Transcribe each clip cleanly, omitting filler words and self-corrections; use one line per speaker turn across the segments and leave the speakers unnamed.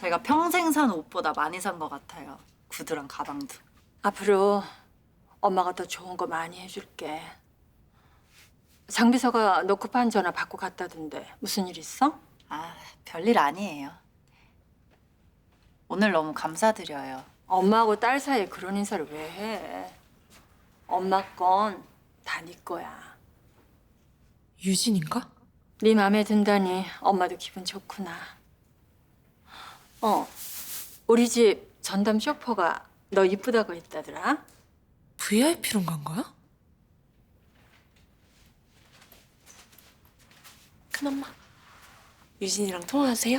제가 평생 산 옷보다 많이 산 것 같아요. 구두랑 가방도.
앞으로 엄마가 더 좋은 거 많이 해줄게. 장비서가 너 급한 전화 받고 갔다던데 무슨 일 있어?
아, 별일 아니에요. 오늘 너무 감사드려요.
엄마하고 딸 사이에 그런 인사를 왜 해? 엄마 건 다 네 거야.
유진인가?
네 맘에 든다니 엄마도 기분 좋구나. 우리 집 전담 쇼퍼가 너 이쁘다고 했다더라.
VIP로 간 거야? 큰엄마, 유진이랑 통화하세요?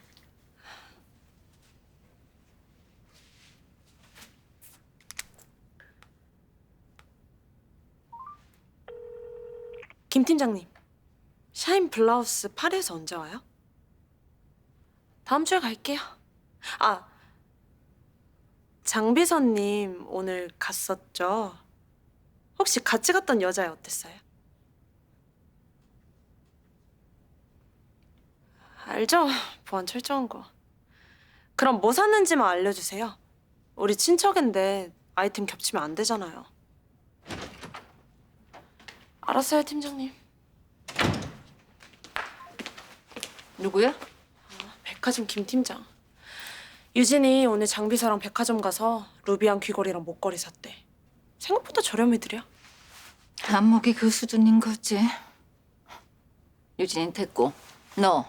김 팀장님, 샤인 블라우스 파리에서 언제 와요? 다음 주에 갈게요. 아, 장비서님 오늘 갔었죠? 혹시 같이 갔던 여자애 어땠어요? 알죠? 보안 철저한 거. 그럼 뭐 샀는지만 알려주세요. 우리 친척인데 아이템 겹치면 안 되잖아요. 알았어요, 팀장님.
누구야?
백화점 김 팀장. 유진이 오늘 장비서랑 백화점 가서 루비안 귀걸이랑 목걸이 샀대. 생각보다 저렴해 드려.
안목이 그 수준인 거지. 유진이 됐고, 너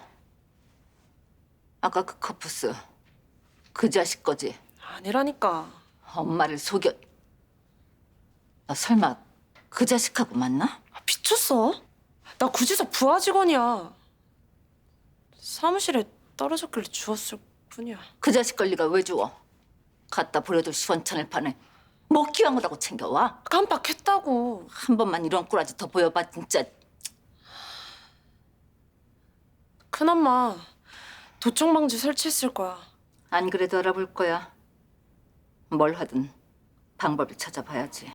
아까 그 커프스 그 자식 거지?
아니라니까.
엄마를 속여. 너 설마 그 자식하고 만나?
미쳤어? 나 구지사 부하 직원이야. 사무실에 떨어졌길래 주웠을 뿐이야.
그 자식 권리가 왜 주워? 갖다 버려도 시원찮을 판에 뭐 귀한 거라고 챙겨와?
깜빡했다고.
한 번만 이런 꼬라지 더 보여봐 진짜.
큰엄마, 도청 방지 설치했을 거야.
안 그래도 알아볼 거야. 뭘 하든 방법을 찾아봐야지.